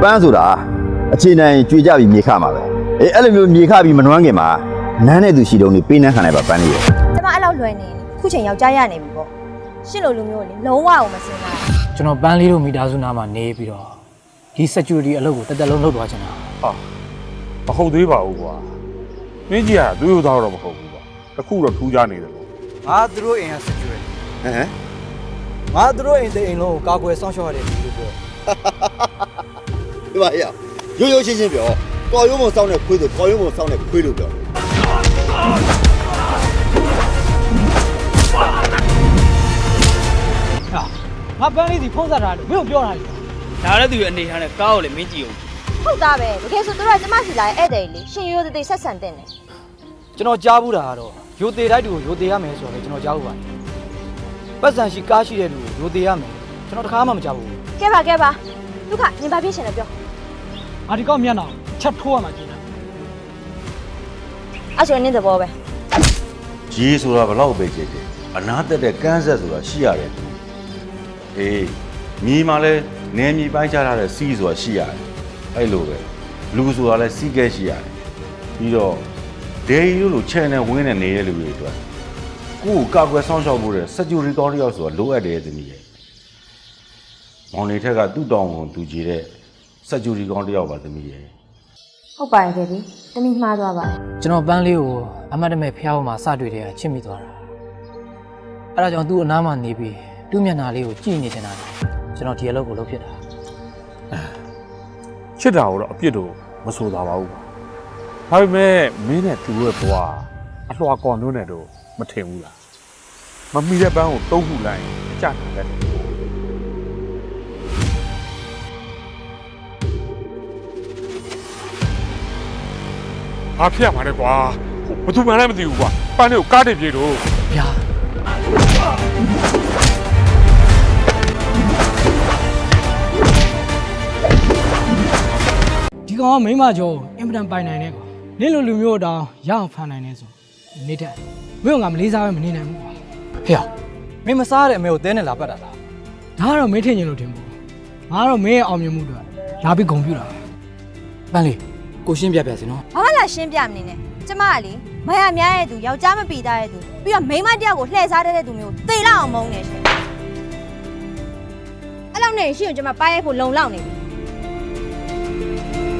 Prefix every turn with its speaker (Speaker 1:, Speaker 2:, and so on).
Speaker 1: ပန်းဆိုတာအခြေနိုင်ကြွေကြပြီးမြေခမှာပဲအေးအဲ့လိုမျိုးမြေခပြီးမနှွမ်းခင်မှာနန်းတဲ့သူရှိတုံးနေပေးနှမ်းခံလိုက်ပါပန်းလေးရဲ့
Speaker 2: ကျမအဲ့လောက်လွယ်နေခုချိန်ယောက်ျားရနေပြီပေါ့ရှစ်လိုလူမျိုးလေလုံးဝအောင်မစင်တာ
Speaker 3: ကျွန်တော်ပန်းလေးတို့မိသားစုနားမှာနေပြီးတော့ဒီ security အလုပ်ကိုတက်တက်လုံးလုပ်သွားချင်တာ
Speaker 4: ဟာမဟုတ်သေးပါဘူးကွာမင်းကြီးကသူ့ရိုးသားတော့မဟုတ်ဘူးကွာတခုတော့ထူးခြားနေတယ်လို့
Speaker 5: ငါသူတို့အိမ်က security
Speaker 1: ဟမ်
Speaker 5: ငါသူတို့အိမ်တဲ့အိမ်လုံးကိုကာကွယ်စောင့်ရှောက်ရတယ်လို့ပြော
Speaker 1: ဒီပါရရိုးရိုးရှင်းရှင်းပြောကော်ရုံးမစောင်းတဲ့ခွေးဆိုကော်ရုံးမစောင်းတဲ့ခွေးလို့ပြော
Speaker 5: ငါပန်းလေးစီဖုံးဆက်ထားတယ်မင်းကိုပြောတာလေ
Speaker 6: ဒါလည်းသူရဲ့အနေထားနဲ့ကားကိုလည်းမင်းကြည့်အောင်
Speaker 2: ဟုတ်သားပဲတကယ်ဆိုတို့ကကျမစီလာရဲ့ဧည့်သည်လေရှင်ရိုးသေးသေးဆက်ဆံတဲ့နေ
Speaker 5: ကျွန်တော်ကြားဘူးတာကတော့ရိုသေတိုက်တူကိုရိုသေရမယ်ဆိုတော့ကျွန်တော်ကြားဘူးပါတယ်ပတ်စံရှိကားရှိတဲ့လူကိုရိုသေရမယ်ကျွန်တော်တခါမှမကြားဘူး
Speaker 2: ကဲပါလူကညင်ပါပြည့်ရှင်လည်းပြော
Speaker 5: ငါဒီကောက်မျက်နှာချက်ထိုးရမှာကျင်းတာ
Speaker 2: အဲ့ဆိုနေသဘောပဲ
Speaker 1: ကြီးဆိုတာဘလောက်ပဲကြည့်ကြည့်အနာတက်တဲ့ကန်းဆက်ဆိုတာရှိရတယ်အေးမြေမှာလဲနေမြေပိုင်းချထားတဲ့စီးဆိုတာရှိရတယ်အဲ့လိုပဲလူဆိုတာလဲစီးကဲရှိရတယ်ပြီးတော့ဒေရီတို့လို channel ဝင်းနေနေတဲ့လူတွေအတွက်ကိုယ်ကာကွယ်ဆောင်ရှောက်ဖို့တဲ့ security ကောင်းတစ်ယောက်ဆိုတာလိုအပ်တယ်သမီးရဲ့မောင်နေထက်ကသူ့တောင်းဝန်သူကြည့်တဲ့ security ကောင်းတစ်ယောက်ပါသမီးရဲ့
Speaker 2: ဟုတ်ပါရဲ့ဒီတမိမှားသွားပါတယ်
Speaker 3: ကျွန်တော်ပန်းလေးကိုအမတ်တမဲ့ဖျားပေါ်မှာစတွေ့တဲ့ချစ်မိသွားတာအဲ့ဒါကြောင့်သူ့အနားမှာနေပြီးသူ့မျက်နှာလေးကိုကြည့်နေချင်တာကျွန်တော်ဒီအလုပ်ကိုလုပ်ဖြစ်တာ
Speaker 4: ချစ်တာကိုတော့အပြစ်တော့မဆိုသာပါဘူးကွာဒါပေမဲ့မင်းနဲ့သူ့ရဲ့ဘဝအလှော်ကော်မျိုးနဲ့တော့မထင်ဘူးလားမမီတဲ့ပန်းကိုတုံးခုလိုက်ရင်အကြတာလည်းအားဖျက်ပါနဲ့ကွာဘသူမှလည်းမသိဘူးကွာပန်းလေးကိုကားတင်ပြေတော့
Speaker 3: ဗျာ
Speaker 5: ဒီကောင်ကမိမကျော်အင်ပတန်ပိုင်နိုင်နေကွာနင်းလိုလူမျိုးတောင်ရအောင်ဖန်နိုင်နေဆိုနေတက်မင်းကမလေးစားပဲမနေနိုင်ဘူးကွာ
Speaker 3: ဟေ့မင်းမစားတဲ့အမေကိုတဲနဲ့လာပတ်တာလား
Speaker 5: ဒါကတော့မင်းထင်ရင်လို့ထင်ဘူးငါကတော့မင်းရဲ့အောင်မြင်မှုတွေလာပြီးဂုဏ်ပြုတာ
Speaker 3: ပန်းလေးကိုရှင်းပြပြစီနော်
Speaker 2: ဘာမှလာရှင်းပြမနေနဲ့ကျမကလေမရများရဲ့သူယောက်ျားမပီသားရဲ့သူပြီးတော့မိန်းမတယောက်ကိုလှည့်စားတဲ့သူမျိုးသေလောက်အောင်မုန်းနေရှင်အဲ့လောက်နဲ့ရှိရင်ကျမပါရိုက်ဖို့လုံလောက်နေပြီ